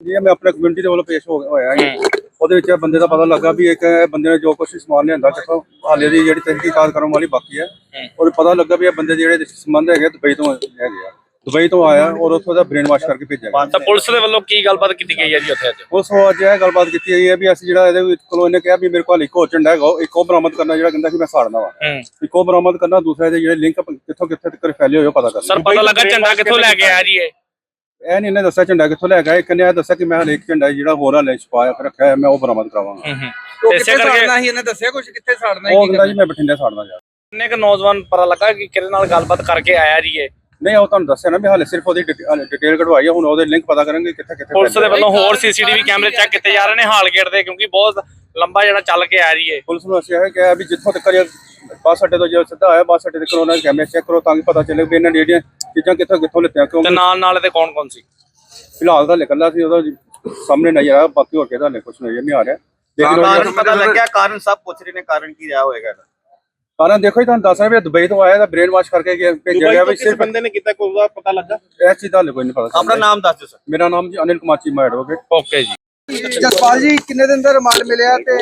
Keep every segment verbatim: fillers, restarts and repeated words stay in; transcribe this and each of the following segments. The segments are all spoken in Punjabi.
ਜੀ ਮੈਂ ਆਪਣੇ ਕਮਿਊਨਿਟੀ ਦੇ ਵੱਲੋਂ ਪੇਸ਼ ਹੋ ਹੋਇਆ ਜੀ। ਉਹਦੇ ਵਿੱਚ ਬੰਦੇ ਦਾ ਪਤਾ ਲੱਗਾ ਵੀ ਇੱਕ ਬੰਦੇ ਨੇ ਜੋ ਕੁਛ ਸਮਾਨ ਲਿਆਂਦਾ ਕਿਥੋਂ ਹਾਲੇ ਦੀ ਜਿਹੜੀ ਤਹਿਕੀਕਾਤ ਕਰਨ ਵਾਲੀ ਬਾਕੀ ਹੈ। ਔਰ ਪਤਾ ਲੱਗਾ ਵੀ ਇਹ ਬੰਦੇ ਜਿਹੜੇ ਸੰਬੰਧ ਹੈਗੇ ਦੁਬਈ ਤੋਂ ਹੈਗੇ ਆ, ਦੁਬਈ ਤੋਂ ਆਇਆ ਔਰ ਉੱਥੋਂ ਦਾ ਬ੍ਰੇਨ ਵਾਸ਼ ਕਰਕੇ ਭੇਜਿਆ ਗਿਆ। ਤਾਂ ਪੁਲਿਸ ਦੇ ਵੱਲੋਂ ਕੀ ਗੱਲਬਾਤ ਕੀਤੀ ਗਈ ਹੈ ਜੀ ਉੱਥੇ ਅੱਜ? ਉਸ ਤੋਂ ਅੱਜ ਇਹ ਗੱਲਬਾਤ ਕੀਤੀ ਗਈ ਹੈ ਵੀ ਅਸੀਂ ਜਿਹੜਾ ਇਹਦੇ ਵਿੱਚ ਕੋਲੋਂ ਇਹਨੇ ਕਿਹਾ ਵੀ ਮੇਰੇ ਕੋਲ ਇੱਕ ਹੋਰ ਝੰਡਾ ਹੈਗਾ, ਇੱਕ ਉਹ ਬਰਾਮਦ ਕਰਨਾ ਜਿਹੜਾ ਕਹਿੰਦਾ ਕਿ ਮੈਂ ਸਾੜਨਾ ਵਾ, ਇੱਕ ਉਹ ਬਰਾਮਦ ਕਰਨਾ, ਦੂਸਰਾ ਇਹਦੇ ਜਿਹੜੇ ਲਿੰਕ ਕਿੱਥੋਂ ਕਿੱਥੇ ਤੱਕ ਫੈਲੇ ਹੋਏ ਪਤਾ ਕਰਨਾ। ਸਰ ਪਤਾ ਲੱਗਾ ਝੰਡਾ ਕਿੱਥੋਂ ਲੈ ਕੇ ਆਇਆ ਜੀ ਇਹ? ਇਹ ਨਹੀਂ ਇਹਨੇ ਦੱਸਿਆ ਝੰਡਾ ਕਿੱਥੋਂ ਲੈ ਕੇ ਆਇਆ, ਇੱਕ ਨੇ ਇਹ ਦੱਸਿਆ ਕਿ ਮੈਂ ਹਲੇ ਇੱਕ ਝੰਡਾ ਜਿਹੜਾ ਹੋਰ ਹਲੇ ਛਪਾਇਆ ਰੱਖਿਆ ਹੈ, ਮੈਂ ਉਹ ਬਰਾਮਦ ਕਰਾਵਾਂਗਾ। ਇਸੇ ਕਰਕੇ ਸੀ ਇਹਨੇ ਦੱਸਿਆ ਕੁਝ ਕਿੱਥੇ ਸਾੜਨਾ ਉਹ ਕਹਿੰਦਾ ਜੀ ਮੈਂ ਬਠਿੰਡੇ ਸਾੜਨਾ ਜਾ। ਕਿੰਨੇ ਕੁ ਨੌਜਵਾਨ ਪਤਾ ਲੱਗਾ ਕਿ ਕਿਹਦੇ ਨਾਲ ਗੱਲਬਾਤ ਕਰਕੇ ਆਇਆ ਜੀ ਇਹ? ਨਹੀਂ ਉਹ ਤੁਹਾਨੂੰ ਦੱਸਿਆ ਨਾ ਵੀ ਹਾਲੇ ਸਿਰਫ ਉਹਦੀ ਡਿਟੇਲ ਕਢਵਾਈ ਹੈ, ਹੁਣ ਉਹਦੇ ਲਿੰਕ ਪਤਾ ਕਰਾਂਗੇ ਕਿੱਥੇ ਕਿੱਥੇ। ਪੁਲਿਸ ਦੇ ਵੱਲੋਂ ਹੋਰ ਸੀਸੀਟੀਵੀ ਕੈਮਰੇ ਚੈੱਕ ਕੀਤੇ ਜਾ ਰਹੇ ਨੇ ਹਾਲ ਗੇਟ ਦੇ, ਕਿਉਂਕਿ ਬਹੁਤ ਲੰਬਾ ਜਿਹੜਾ ਚੱਲ ਕੇ ਆ ਰਹੀ ਹੈ। ਪੁਲਿਸ ਨੂੰ ਅਸੀਂ ਇਹ ਕਿਹਾ ਵੀ ਜਿੱਥੋਂ ਤੱਕ ਬੱਸ ਅੱਡੇ ਤੋਂ ਜੇ ਸਿੱਧਾ ਆਇਆ ਬੱਸ ਅੱਡੇ ਤੇ ਕਰੋਨਾ ਕੈਮਰੇ ਚੈੱਕ ਕਰੋ ਤਾਂ ਕਿ ਪਤਾ ਚੱਲੇ ਵੀ ਇਹਨਾਂ ਨੇ ਜਿਹੜੀਆਂ ਚੀਜ਼ਾਂ ਕਿੱਥੋਂ ਕਿੱਥੋਂ ਲਿੱਤੀਆਂ। ਤੇ ਕਿਉਂਕਿ ਨਾਲ ਨਾਲ ਤੇ ਕੌਣ ਕੌਣ ਸੀ? ਫਿਲਹਾਲ ਤਾਂ ਨਿਕਲਦਾ ਸੀ ਉਹਦਾ ਸਾਹਮਣੇ ਨਜ਼ਰ ਆਇਆ, ਬਾਕੀ ਹੋਰ ਕਿਹਦਾ ਕੁਝ ਨਜ਼ਰ ਨਹੀਂ ਆ ਰਿਹਾ। ਕਾਰਨ ਪਤਾ ਲੱਗਿਆ, ਕਾਰਨ ਸਭ ਪੁੱਛ ਰਹੇ ਨੇ ਕਾਰਨ ਕੀ ਰਿਹਾ ਹੋਏਗਾ। ਕਾਰਨ ਦੇਖੋ ਜੀ ਤੁਹਾਨੂੰ ਦੱਸ ਰਿਹਾ ਵੀ ਦੁਬਈ ਤੋਂ ਆਇਆ ਤਾਂ ਬ੍ਰੇਨ ਵਾਸ਼ ਕਰਕੇ ਭੇਜਿਆ ਗਿਆ ਵੀ ਸਿਰਫ ਬੰਦੇ ਨੇ ਕੀਤਾ ਕੋਈ ਉਹਦਾ ਪਤਾ ਲੱਗਾ? ਇਸ ਚੀਜ਼ ਦਾ ਹਲੇ ਕੋਈ ਨਹੀਂ ਪਤਾ। ਆਪਣਾ ਨਾਮ ਦੱਸ ਦਿਓ ਸਰ। ਮੇਰਾ ਨਾਮ ਜੀ ਅਨਿਲ ਕੁਮਾਰ ਚੀਮਾ ਐਡਵੋਕੇਟ। ਓਕੇ ਜੀ। ਜਸਪਾਲ ਜੀ ਕਿੰਨੇ ਦਿਨ ਦਾ ਰਿਮਾਂਡ ਮਿਲਿਆ ਤੇ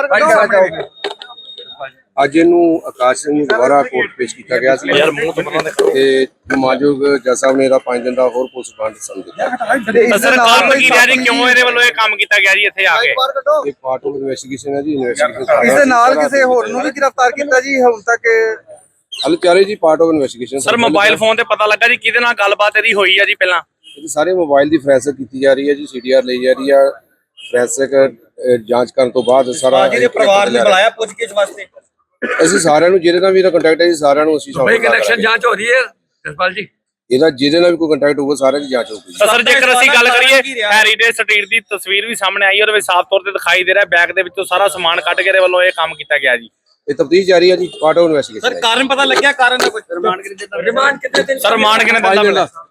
ਅੱਜ ਇਹਨੂੰ ਆਕਾਸ਼ ਸਿੰਘ ਨੂੰ ਦੁਬਾਰਾ ਕੋਰਟ ਪੇਸ਼ ਕੀਤਾ ਗਿਆ ਸੀ ਤੇ ਮਾਨਯੋਗ ਜੱਜ ਸਾਹਿਬ ਨੇ ਇਹਦਾ ਪੰਜ ਦਿਨ ਦਾ ਹੋਰ ਪੁਲਿਸ ਰਿਮਾਂਡ ਸੰਦ ਦਿੱਤਾ। ਸਰ ਕਾਰਨ ਕੀ ਰਿਹਾ ਜੀ, ਕਿਉਂ ਇਹਦੇ ਵੱਲੋਂ ਇਹ ਕੰਮ ਕੀਤਾ ਗਿਆ ਜੀ ਇੱਥੇ ਆ ਕੇ? ਇਹ ਪਾਰਟ ਆਫ ਇਨਵੈਸਟੀਗੇਸ਼ਨ ਹੈ ਜੀ। ਇਨਵੈਸਟੀਗੇਸ਼ਨ ਇਸ ਦੇ ਨਾਲ ਕਿਸੇ ਹੋਰ ਨੂੰ ਵੀ ਗ੍ਰਿਫਤਾਰ ਕੀਤਾ ਜੀ ਹੁਣ ਤੱਕ? ਹਲ ਚਾਰੇ ਜੀ part of investigation. Sir mobile phone ਤੇ ਪਤਾ ਲੱਗਾ ਜੀ ਕਿਹਦੇ ਨਾਲ ਗੱਲਬਾਤ ਇਹਦੀ ਹੋਈ ਆ ਜੀ ਪਹਿਲਾਂ? ਇਹ ਸਾਰੇ ਮੋਬਾਈਲ ਦੀ ਫੋਰੈਂਸਿਕ ਕੀਤੀ ਜਾ ਰਹੀ ਹੈ ਜੀ, ਸੀਡੀਆਰ ਲਈ ਜਾ ਰਹੀ ਹੈ। ਫੋਰੈਂਸਿਕ ਜਾਂਚ ਕਰਨ ਤੋਂ ਬਾਅਦ ਸਾਰਾ ਜਿਹਦੇ ਪਰਿਵਾਰ ਨੇ ਬੁਲਾਇਆ ਪੁੱਛਗਿੱਛ ਵਾਸਤੇ। ਅਸੀਂ ਸਾਰਿਆਂ ਨੂੰ ਜਿਹਦੇ ਨਾਲ ਵੀ ਇਹਦਾ ਕੰਟੈਕਟ ਹੈ ਜੀ ਸਾਰਿਆਂ ਨੂੰ ਅਸੀਂ ਬਈ ਕਨੈਕਸ਼ਨ ਜਾਂਚ ਹੋ ਰਹੀ ਹੈ ਜਸਪਾਲ ਜੀ। ਇਹਦਾ ਜਿਹਦੇ ਨਾਲ ਵੀ ਕੋਈ ਕੰਟੈਕਟ ਹੋਊਗਾ ਸਾਰਿਆਂ ਦੀ ਜਾਂਚ ਹੋਊਗੀ। ਸਰ ਜੇਕਰ ਅਸੀਂ ਗੱਲ ਕਰੀਏ ਹੈਰੀਟੇਜ ਸਟਰੀਟ ਦੀ ਤਸਵੀਰ ਵੀ ਸਾਹਮਣੇ ਆਈ, ਉਹਦੇ ਵਿੱਚ ਸਾਫ਼ ਤੌਰ ਤੇ ਦਿਖਾਈ ਦੇ ਰਿਹਾ ਬੈਗ ਦੇ ਵਿੱਚੋਂ ਸਾਰਾ ਸਮਾਨ ਕੱਢ ਕੇ ਇਹਦੇ ਵੱਲੋਂ ਇਹ ਕੰਮ ਕੀਤਾ ਗਿਆ ਜੀ। ਇਹ ਤਫਤੀਸ਼ ਜਾਰੀ ਹੈ ਜੀ, ਪਾਰਟ ਆਫ ਇਨਵੈਸਟੀਗੇਸ਼ਨ। ਸਰ ਕਾਰਨ ਪਤਾ ਲੱਗਿਆ, ਕਾਰਨ ਦਾ ਕੁਝ ਰਿਮਾਂਡ ਕਿੰਨੇ ਦਿਨ? ਸਰ ਰਿਮਾਂਡ ਕਿੰਨੇ ਦਿਨ ਦਾ ਮਿਲਿਆ?